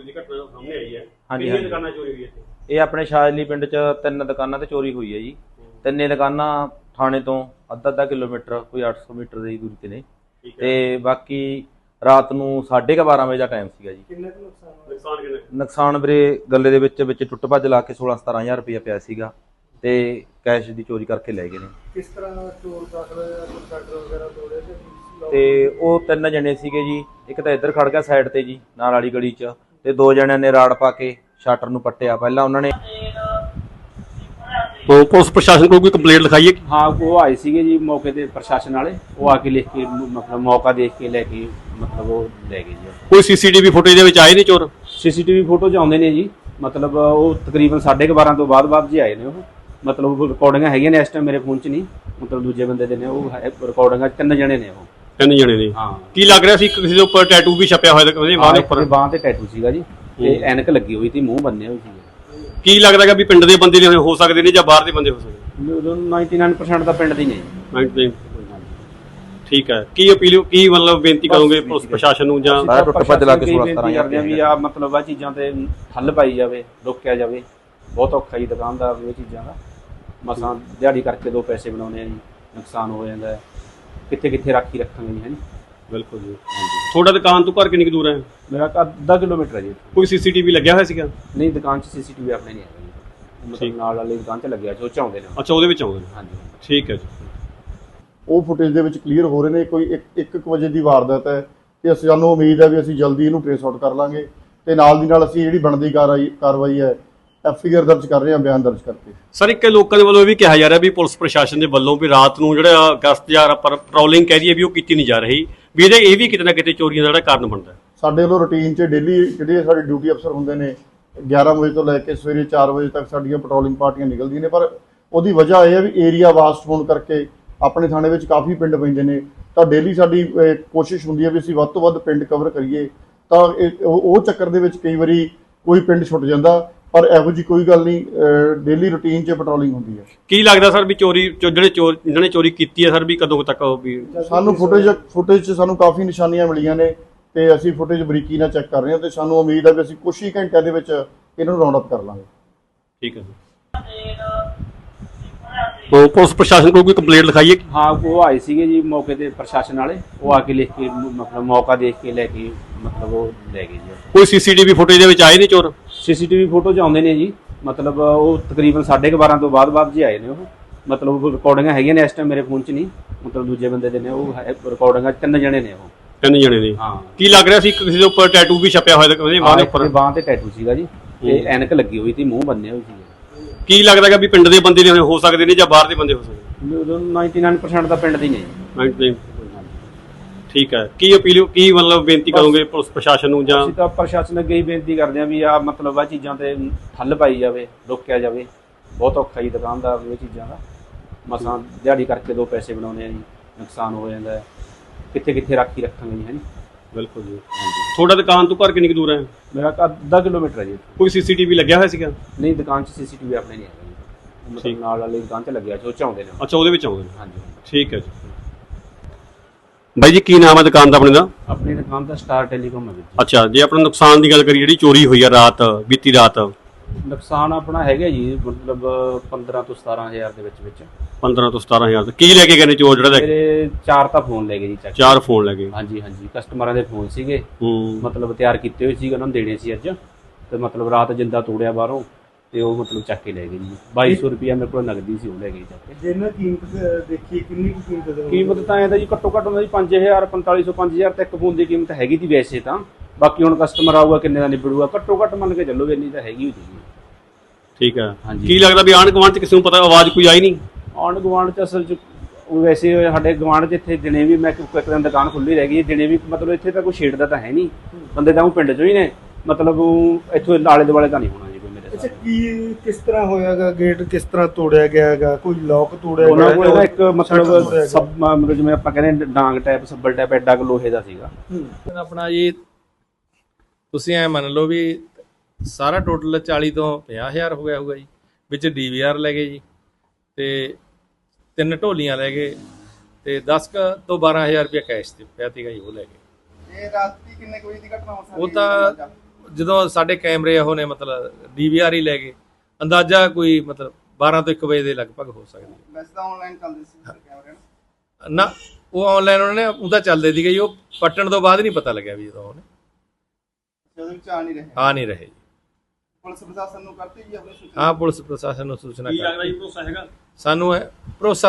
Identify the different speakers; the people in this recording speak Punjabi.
Speaker 1: ਚੋਰੀ ਦੀ ਘਟਨਾ ਸਾਹਮਣੇ ਆਈ ਹੈ।
Speaker 2: ਹਾਂਜੀ
Speaker 1: ਕਿੰਨੀਆਂ ਦੁਕਾਨਾਂ ਚੋਰੀ ਹੋਈ ਇੱਥੇ?
Speaker 2: ਇਹ ਆਪਣੇ ਸ਼ਾਜਲੀ ਪਿੰਡ 'ਚ 3 ਦੁਕਾਨਾਂ ਤੇ ਚੋਰੀ ਹੋਈ ਹੈ ਜੀ। ਤਿੰਨੇ ਦੁਕਾਨਾਂ ਥਾਣੇ ਤੋਂ ਅੱਧਾ ਕਿਲੋਮੀਟਰ ਕੋਈ 800 ਮੀਟਰ ਦੀ ਦੂਰੀ ਤੇ ਨੇ ਤੇ ਬਾਕੀ ਰਾਤ ਨੂੰ 12:30 ਵਜੇ ਦਾ ਟਾਈਮ ਸੀਗਾ ਜੀ।
Speaker 1: ਕਿੰਨਾ ਕੁ ਨੁਕਸਾਨ ਕਿੰਨਾ?
Speaker 2: ਨੁਕਸਾਨ ਵੀਰੇ ਗੱਲੇ ਦੇ ਵਿੱਚ ਟੁੱਟ ਭੱਜ ਲਾ ਕੇ 16-17 ਹਜ਼ਾਰ ਰੁਪਇਆ ਪਿਆ ਸੀਗਾ ਤੇ ਕੈਸ਼ ਦੀ ਚੋਰੀ ਕਰਕੇ ਲੈ ਗਏ ਨੇ।
Speaker 1: ਕਿਸ ਤਰ੍ਹਾਂ ਚੋਰ ਦਾਖਲ ਸ਼ਟਰ ਵਗੈਰਾ ਤੋੜੇ
Speaker 2: ਤੇ ਉਹ 3 ਜਣੇ ਸੀਗੇ ਜੀ। ਇੱਕ ਤਾਂ ਇੱਧਰ ਖੜ ਗਿਆ ਸਾਈਡ ਤੇ ਜੀ ਨਾਲ ਵਾਲੀ ਗਲੀ 'ਚ ਤੇ 2 ਜਣਿਆਂ ਨੇ ਰਾੜ ਪਾ ਕੇ ਸ਼ਟਰ ਨੂੰ ਪੱਟਿਆ। ਪਹਿਲਾਂ ਉਹਨਾਂ ਨੇ
Speaker 1: तो पुलिस प्रशासन को कोई कंप्लेंट लिखाई है?
Speaker 3: हाँ वो आए सीगे जी मौके ते प्रशासन वाले वो आके लिख के मतलब मौका देख के लेके मतलब वो ले गए जी।
Speaker 1: कोई सीसीटीवी फुटेज ਦੇ ਵਿੱਚ ਆਏ ਨੇ ਚੋਰ?
Speaker 3: सीसीटीवी फोटो च आਉਂਦੇ ਨੇ ਜੀ मतलब ਉਹ ਤਕਰੀਬਨ 12:30 ਤੋਂ ਬਾਅਦ ਜੀ ਆਏ ਨੇ ਉਹ मतलब ਰਿਕਾਰਡਿੰਗਾਂ ਹੈਗੀਆਂ ਨੇ ਇਸ ਟਾਈਮ ਮੇਰੇ ਫੋਨ 'ਚ ਨਹੀਂ मतलब ਦੂਜੇ ਬੰਦੇ ਦੇ ਨੇ ਉਹ ਰਿਕਾਰਡਿੰਗਾਂ 3 ਜਣੇ ਨੇ ਉਹ
Speaker 1: 3 ਜਣੇ ਨੇ।
Speaker 3: ਹਾਂ
Speaker 1: ਕੀ ਲੱਗ ਰਿਹਾ ਸੀ ਕਿਸੇ ਦੇ ਉੱਪਰ ਟੈਟੂ ਵੀ ਛਪਿਆ ਹੋਇਆ ਉਹਦੇ ਬਾਹ ਦੇ ਉੱਪਰ?
Speaker 3: ਬਾਹ ਤੇ ਟੈਟੂ ਸੀਗਾ ਜੀ ਤੇ ਐਨਕ ਲੱਗੀ ਹੋਈ ਸੀ ਮੂੰਹ ਬੰਨਿਆ ਹੋਈ ਸੀ।
Speaker 1: ਕੀ ਲੱਗਦਾ ਕਿ ਵੀ ਪਿੰਡ ਦੇ ਬੰਦੇ ਨੇ ਹੋ ਸਕਦੇ ਨੇ ਜਾਂ ਬਾਹਰ ਦੇ ਬੰਦੇ ਹੋ ਸਕਦੇ?
Speaker 3: 99% ਤਾਂ ਪਿੰਡ ਦੀ ਨਹੀਂ।
Speaker 1: 99 ਠੀਕ ਹੈ। ਕੀ ਅਪੀਲ ਕੀ ਮਤਲਬ ਬੇਨਤੀ ਕਰੋਗੇ ਪੁਲਿਸ ਪ੍ਰਸ਼ਾਸਨ ਨੂੰ ਜਾਂ
Speaker 2: ਟੁੱਟ ਭੱਜ ਲਾ ਕੇ 16-17
Speaker 3: ਕਰਦੇ ਆ ਵੀ ਆ ਮਤਲਬ ਆ ਚੀਜ਼ਾਂ ਤੇ ਠੱਲ ਪਾਈ ਜਾਵੇ ਰੋਕਿਆ ਜਾਵੇ। ਬਹੁਤ ਔਖਾ ਜੀ ਦੁਕਾਨਦਾਰ ਨੂੰ ਇਹ ਚੀਜ਼ਾਂ ਦਾ ਮਸਾਂ ਦਿਹਾੜੀ ਕਰਕੇ 2 ਪੈਸੇ ਬਣਾਉਣੇ ਆ ਜੀ ਨੁਕਸਾਨ ਹੋ ਜਾਂਦਾ ਕਿੱਥੇ ਰਾਖੀ ਰੱਖਾਂਗੇ ਜੀ ਹੈ।
Speaker 1: ਬਿਲਕੁਲ ਜੀ। ਤੁਹਾਡਾ ਦੁਕਾਨ ਤੋਂ ਘਰ ਕਿੰਨੀ ਕੁ ਦੂਰ ਹੈ?
Speaker 3: ਮੇਰਾ ਅੱਧਾ ਕਿਲੋਮੀਟਰ ਹੈ ਜੀ।
Speaker 1: ਕੋਈ ਸੀਸੀਟੀਵੀ ਲੱਗਿਆ ਹੋਇਆ ਸੀਗਾ?
Speaker 3: ਨਹੀਂ ਦੁਕਾਨ 'ਚ ਸੀਸੀਟੀਵੀ ਆਪਣੇ ਨਹੀਂ ਹੈਗਾ ਜੀ ਮਤਲਬ ਨਾਲ ਵਾਲੀ ਦੁਕਾਨ 'ਚ ਲੱਗਿਆ ਜੋ ਚਾਹੁੰਦੇ ਨੇ।
Speaker 1: ਅੱਛਾ ਉਹਦੇ ਵਿੱਚ ਆਉਂਦੇ ਨੇ।
Speaker 3: ਹਾਂਜੀ
Speaker 1: ਠੀਕ ਹੈ ਜੀ।
Speaker 4: ਉਹ ਫੁਟੇਜ ਦੇ ਵਿੱਚ ਕਲੀਅਰ ਹੋ ਰਹੇ ਨੇ। ਕੋਈ 1 ਵਜੇ ਦੀ ਵਾਰਦਾਤ ਹੈ ਤੇ ਸਾਨੂੰ ਉਮੀਦ ਹੈ ਵੀ ਅਸੀਂ ਜਲਦੀ ਇਹਨੂੰ ਟ੍ਰੇਸ ਆਊਟ ਕਰ ਲਾਂਗੇ ਤੇ ਨਾਲ ਦੀ ਨਾਲ ਅਸੀਂ ਜਿਹੜੀ ਬਣਦੀ ਕਾਰਵਾਈ ਹੈ ਐਫਆਈਆਰ ਦਰਜ ਕਰ ਰਹੇ ਹਾਂ ਬਿਆਨ ਦਰਜ ਕਰਕੇ।
Speaker 1: ਸਰ ਇੱਕ ਲੋਕਾਂ ਦੇ ਵੱਲੋਂ ਇਹ ਵੀ ਕਿਹਾ ਜਾ ਰਿਹਾ ਵੀ ਪੁਲਿਸ ਪ੍ਰਸ਼ਾਸਨ ਦੇ ਵੱਲੋਂ ਵੀ ਰਾਤ ਨੂੰ ਜਿਹੜਾ ਗਸ਼ਤ ਜਾਂ ਪੈਟਰੋਲਿੰਗ ਕਹਿ ਦਈਏ ਵੀ ਉਹ ਕੀਤੀ ਨਹੀਂ ਜਾ ਰਹੀ ਵੀ ਇਹ ਵੀ ਕਿਤੇ ਨਾ ਕਿਤੇ ਚੋਰੀਆਂ ਦਾ ਜਿਹੜਾ ਕਾਰਨ ਬਣਦਾ।
Speaker 4: ਸਾਡੇ ਵੱਲੋਂ ਰੂਟੀਨ 'ਚ ਡੇਲੀ ਜਿਹੜੇ ਸਾਡੇ ਡਿਊਟੀ ਅਫਸਰ ਹੁੰਦੇ ਨੇ 11 ਵਜੇ ਤੋਂ ਲੈ ਕੇ ਸਵੇਰੇ 4 ਵਜੇ ਤੱਕ ਸਾਡੀਆਂ ਪੈਟਰੋਲਿੰਗ ਪਾਰਟੀਆਂ ਨਿਕਲਦੀਆਂ ਨੇ ਪਰ ਉਹਦੀ ਵਜ੍ਹਾ ਇਹ ਹੈ ਵੀ ਏਰੀਆ ਵਾਸਟ ਹੋਣ ਕਰਕੇ ਆਪਣੇ ਥਾਣੇ ਵਿੱਚ ਕਾਫੀ ਪਿੰਡ ਪੈਂਦੇ ਨੇ ਤਾਂ ਡੇਲੀ ਸਾਡੀ ਕੋਸ਼ਿਸ਼ ਹੁੰਦੀ ਹੈ ਵੀ ਅਸੀਂ ਵੱਧ ਤੋਂ ਵੱਧ ਪਿੰਡ ਕਵਰ ਕਰੀਏ ਤਾਂ ਉਹ ਚੱਕਰ ਦੇ ਵਿੱਚ ਕਈ ਵਾਰੀ ਕੋਈ ਪਿੰਡ ਛੁੱਟ ਜਾਂਦਾ ਪਰ ਇਹੋ ਜਿਹੀ ਕੋਈ ਗੱਲ ਨਹੀਂ। ਡੇਲੀ ਰੂਟੀਨ 'ਚ ਪੈਟਰੋਲਿੰਗ ਹੁੰਦੀ ਹੈ। ਜਿਹੜੇ
Speaker 1: ਜਿਹਨਾਂ ਨੇ ਚੋਰੀ ਕੀਤੀ ਹੈ ਸਰ ਵੀ ਕਦੋਂ ਤੱਕ ਵੀ
Speaker 4: ਸਾਨੂੰ ਫੁਟੇਜ 'ਚ ਸਾਨੂੰ ਕਾਫੀ ਨਿਸ਼ਾਨੀਆਂ ਮਿਲੀਆਂ ਨੇ ਤੇ ਅਸੀਂ ਫੁਟੇਜ ਬਰੀਕੀ ਨਾਲ ਚੈੱਕ ਕਰ ਰਹੇ ਹਾਂ ਤੇ ਸਾਨੂੰ ਉਮੀਦ ਹੈ ਵੀ ਅਸੀਂ ਕੁਝ ਹੀ ਘੰਟਿਆਂ ਦੇ ਵਿੱਚ ਇਹਨਾਂ ਨੂੰ ਰਾਉਂਡ ਅਪ ਕਰ ਲਾਂਗੇ।
Speaker 1: ਠੀਕ ਹੈ तो पुलिस प्रशासन को कोई कंप्लेंट लिखाई है?
Speaker 3: हाँ वो आए सीगे जी मौके ते प्रशासन वाले वो आके लिख के मतलब मौका देख के लेके मतलब वो ले गए जी।
Speaker 1: कोई सीसीटीवी फुटेज ਦੇ ਵਿੱਚ ਆਏ ਨੇ ਚੋਰ?
Speaker 3: सीसीटीवी फोटो 'ਚ ਆਉਂਦੇ ਨੇ ਜੀ मतलब ਉਹ ਤਕਰੀਬਨ 12:30 ਤੋਂ ਬਾਅਦ ਜੀ ਆਏ ਨੇ ਉਹ मतलब ਰਿਕਾਰਡਿੰਗਾਂ ਹੈਗੀਆਂ ਨੇ ਇਸ ਟਾਈਮ ਮੇਰੇ ਫੋਨ 'ਚ ਨਹੀਂ मतलब ਦੂਜੇ ਬੰਦੇ ਦੇ ਨੇ ਉਹ ਰਿਕਾਰਡਿੰਗਾਂ 3 ਜਣੇ ਨੇ ਉਹ
Speaker 1: 3 ਜਣੇ ਨੇ।
Speaker 3: ਹਾਂ
Speaker 1: ਕੀ ਲੱਗ ਰਿਹਾ ਸੀ ਕਿਸੇ ਦੇ ਉੱਪਰ ਟੈਟੂ ਵੀ ਛਪਿਆ ਹੋਇਆ ਉਹਦੇ ਬਾਹ ਦੇ ਉੱਪਰ?
Speaker 3: ਬਾਹ ਤੇ ਟੈਟੂ ਸੀਗਾ ਜੀ ਤੇ ਐਨਕ ਲੱਗੀ ਹੋਈ ਸੀ ਮੂੰਹ ਬੰਨਿਆ ਹੋਈ ਸੀ।
Speaker 1: ਕੀ ਲੱਗਦਾ ਕਿ ਵੀ ਪਿੰਡ ਦੇ ਬੰਦੇ ਨੇ ਹੋ ਸਕਦੇ ਨੇ ਜਾਂ ਬਾਹਰ ਦੇ ਬੰਦੇ ਹੋ ਸਕਦੇ?
Speaker 3: 99% ਤਾਂ ਪਿੰਡ ਦੀ ਨਹੀਂ।
Speaker 1: 99 ਠੀਕ ਹੈ। ਕੀ ਅਪੀਲ ਕੀ ਮਤਲਬ ਬੇਨਤੀ ਕਰੋਗੇ ਪੁਲਿਸ ਪ੍ਰਸ਼ਾਸਨ ਨੂੰ ਜਾਂ?
Speaker 3: ਅਸੀਂ ਤਾਂ ਪ੍ਰਸ਼ਾਸਨ ਅੱਗੇ ਹੀ ਬੇਨਤੀ ਕਰਦੇ ਹਾਂ ਵੀ ਆ ਮਤਲਬ ਆ ਚੀਜ਼ਾਂ ਤੇ ਠੱਲ ਪਾਈ ਜਾਵੇ ਰੋਕਿਆ ਜਾਵੇ। ਬਹੁਤ ਔਖਾ ਜੀ ਦੁਕਾਨਦਾਰ ਨੂੰ ਇਹ ਚੀਜ਼ਾਂ ਦਾ ਮਸਾਂ ਦਿਹਾੜੀ ਕਰਕੇ 2 ਪੈਸੇ ਬਣਾਉਣੇ ਆ ਜੀ ਨੁਕਸਾਨ ਹੋ ਜਾਂਦਾ ਕਿੱਥੇ ਰਾਖੀ ਰੱਖਾਂਗੇ ਜੀ ਹੈ।
Speaker 1: ਬਿਲਕੁਲ ਜੀ। ਤੁਹਾਡਾ ਦੁਕਾਨ ਤੋਂ ਘਰ ਕਿੰਨੀ ਕੁ ਦੂਰ ਹੈ?
Speaker 3: ਮੇਰਾ ਅੱਧਾ ਕਿਲੋਮੀਟਰ ਹੈ ਜੀ।
Speaker 1: ਕੋਈ ਸੀਸੀਟੀਵੀ ਲੱਗਿਆ ਹੋਇਆ ਸੀਗਾ?
Speaker 3: ਨਹੀਂ ਦੁਕਾਨ 'ਚ ਸੀਸੀਟੀਵੀ ਆਪਣੇ ਨਹੀਂ ਹੈਗਾ ਜੀ ਮਤਲਬ ਨਾਲ ਵਾਲੀ ਦੁਕਾਨ 'ਚ ਲੱਗਿਆ ਜੋ ਚਾਹੁੰਦੇ ਨੇ।
Speaker 1: ਅੱਛਾ ਉਹਦੇ ਵਿੱਚ ਆਉਂਦੇ ਨੇ।
Speaker 3: ਹਾਂਜੀ
Speaker 1: ਠੀਕ ਹੈ ਜੀ। ਬਾਈ ਜੀ ਕੀ ਨਾਮ ਹੈ ਦੁਕਾਨ ਦਾ ਆਪਣੇ ਦਾ?
Speaker 3: ਆਪਣੀ ਦੁਕਾਨ ਦਾ ਸਟਾਰ ਟੈਲੀਕਾਮ ਹੈ ਜੀ।
Speaker 1: ਅੱਛਾ ਜੇ ਆਪਣਾ ਨੁਕਸਾਨ ਦੀ ਗੱਲ ਕਰੀ ਜਿਹੜੀ ਚੋਰੀ ਹੋਈ ਆ ਬੀਤੀ ਰਾਤ
Speaker 3: ਨੁਕਸਾਨ ਆਪਣਾ ਹੈਗਾ ਜੀ ਮਤਲਬ 15 ਤੋਂ 17 ਹਜ਼ਾਰ ਦੇ ਵਿੱਚ
Speaker 1: 15 ਤੋਂ 17 ਹਜ਼ਾਰ। ਕੀ ਲੈ ਕੇ ਗਏ ਨੇ ਚੋਰ ਜਿਹੜਾ?
Speaker 3: ਮੇਰੇ 4 ਤਾਂ ਫੋਨ ਲੈ ਗਏ ਜੀ ਚੱਕ।
Speaker 1: 4 ਫੋਨ ਲੈ ਗਏ?
Speaker 3: ਹਾਂਜੀ ਕਸਟਮਰਾਂ ਦੇ ਫੋਨ ਸੀਗੇ ਮਤਲਬ ਤਿਆਰ ਕੀਤੇ ਹੋਏ ਸੀਗੇ ਉਹਨਾਂ ਨੂੰ ਦੇਣੇ ਸੀ ਅੱਜ ਤੇ ਮਤਲਬ ਰਾਤ ਜਿੰਦਾ ਤੋੜਿਆ ਬਾਹਰੋਂ ਤੇ ਉਹ ਮਤਲਬ ਚੱਕ ਕੇ ਲੈ ਗਏ ਜੀ। 2200 ਰੁਪਇਆ ਮੇਰੇ ਕੋਲ ਨਗਦੀ ਸੀ ਉਹ ਲੈ ਗਏ ਚੱਕ ਕੇ।
Speaker 5: ਜਿਹਨਾਂ ਕੀਮਤ ਦੇਖੀ ਕਿੰਨੀ
Speaker 3: ਕੀਮਤ ਤਾਂ ਐਂ ਤਾਂ ਜੀ ਘੱਟੋ ਘੱਟ ਹੁੰਦਾ ਜੀ 5000 4500 5000 ਤੱਕ ਫੋਨ ਦੀ ਕੀਮਤ ਹੈਗੀ ਦੀ ਵੈਸੇ ਤਾਂ ਬਾਕੀ ਹੁਣ ਕਸਟਮਰ ਆਊਗਾ ਕਿੰਨੇ ਦਾ ਨਿਬੜੂਗਾ ਘੱਟੋ ਘੱਟ ਮੰਨ ਕੇ ਚੱਲੋ ਇੰਨੀ ਤਾਂ ਹੈਗੀ ਹੋਈ ਜੀ।
Speaker 1: ਠੀਕ ਹੈ। ਕੀ ਲੱਗਦਾ ਵੀ ਆਂਢ ਗੁਆਂਢ 'ਚ ਕਿਸੇ ਨੂੰ ਪਤਾ ਆਵਾਜ਼ ਕੋਈ ਆਈ ਨਹੀਂ?
Speaker 3: ਆਂਢ ਗੁਆਂਢ 'ਚ ਅਸਲ 'ਚ ਵੈਸੇ ਸਾਡੇ ਗੁਆਂਢ 'ਚ ਇੱਥੇ ਦਿਨੇ ਵੀ ਮੈਂ ਇੱਕ ਦਿਨ ਦੁਕਾਨ ਖੁੱਲੀ ਰਹਿ ਗਈ ਦਿਨੇ ਵੀ ਮਤਲਬ ਇੱਥੇ ਤਾਂ ਕੋਈ ਛੇੜਦਾ ਤਾਂ ਹੈ ਨਹੀਂ ਬੰਦੇ ਤਾਂ ਉਹ ਪਿੰਡ 'ਚੋਂ ਹੀ ਨੇ ਮਤਲਬ ਇੱਥੋਂ ਆਲੇ ਦੁਆਲੇ ਤਾਂ ਨਹੀਂ ਹੋਣਾ ਜੀ ਕੋਈ ਮੇਰੇ।
Speaker 5: ਅੱਛਾ ਕੀ ਕਿਸ ਤਰ੍ਹਾਂ ਹੋਇਆਗਾ ਗੇਟ ਕਿਸ ਤਰ੍ਹਾਂ ਤੋੜਿਆ ਗਿਆ ਹੈਗਾ ਕੋਈ ਲੋਕ ਤੋੜਿਆ
Speaker 3: ਉਹਨਾਂ ਕੋਲ ਇੱਕ ਮਤਲਬ ਜਿਵੇਂ ਆਪਾਂ ਕਹਿੰਦੇ ਡਾਂਗ ਟਾਈਪ ਸੱਬਲ ਟਾਈਪ ਐਡਾ ਕੁ ਲੋਹੇ ਦਾ ਸੀਗਾ
Speaker 6: ਆਪਣਾ ਜੀ। ਤੁਸੀਂ ਐ ਮੰਨ ਲਓ ਵੀ ਸਾਰਾ ਟੋਟਲ 40 ਤੋਂ 50,000 ਹੋ ਗਿਆ ਹੋਊਗਾ ਜੀ। ਵਿੱਚ DVR ਲੈ ਗਏ ਜੀ ਤੇ 3 ਢੋਲੀਆਂ ਲੈ ਗਏ ਤੇ 10 ਤੋਂ 12,000 ਰੁਪਇਆ ਕੈਸ਼ ਤੇ ਪਿਆ ਸੀਗਾ ਜੀ ਉਹ ਲੈ ਗਏ।
Speaker 5: ਇਹ ਰਾਤੀ ਕਿੰਨੇ ਵਜੇ ਦੀ ਘਟਨਾ ਹੋ ਸਕਦੀ?
Speaker 6: ਉਹ ਤਾਂ ਜਦੋਂ ਸਾਡੇ ਕੈਮਰੇ ਉਹ ਨੇ ਮਤਲਬ DVR ਹੀ ਲੈ ਗਏ, ਅੰਦਾਜ਼ਾ ਕੋਈ ਮਤਲਬ 12 ਤੋਂ 1 ਵਜੇ ਦੇ ਲਗਭਗ ਹੋ ਸਕਦੀ ਹੈ।
Speaker 7: ਵੈਸੇ ਤਾਂ ਆਨਲਾਈਨ ਚੱਲਦੇ ਸੀ ਕੈਮਰੇ
Speaker 6: ਨਾ ਉਹ ਆਨਲਾਈਨ ਉਹਨਾਂ ਨੇ ਉਹਦਾ ਚੱਲਦੇ ਸੀਗੇ ਜੀ, ਉਹ ਪੱਟਣ ਤੋਂ ਬਾਅਦ ਨਹੀਂ ਪਤਾ ਲੱਗਿਆ ਵੀ ਜਦੋਂ ਉਹਨੇ
Speaker 7: ਉਹਦੇ ਵਿੱਚ ਆ ਨਹੀਂ ਰਹੇ।
Speaker 6: ਆ ਨਹੀਂ ਰਹੇ ਜੀ।
Speaker 7: ਪੁਲਿਸ ਪ੍ਰਸ਼ਾਸਨ ਨੂੰ ਕਰਤੀ ਜੀ ਆਪਣੀ ਸੂਚਨਾ।
Speaker 6: ਹਾਂ ਪੁਲਿਸ ਪ੍ਰਸ਼ਾਸਨ ਨੂੰ ਸੂਚਨਾ
Speaker 1: ਕੀ
Speaker 6: ਕਰ
Speaker 1: ਲੱਗਦਾ ਜੀ ਭਰੋਸਾ ਹੈਗਾ?
Speaker 6: ਸਾਨੂੰ ਭਰੋਸਾ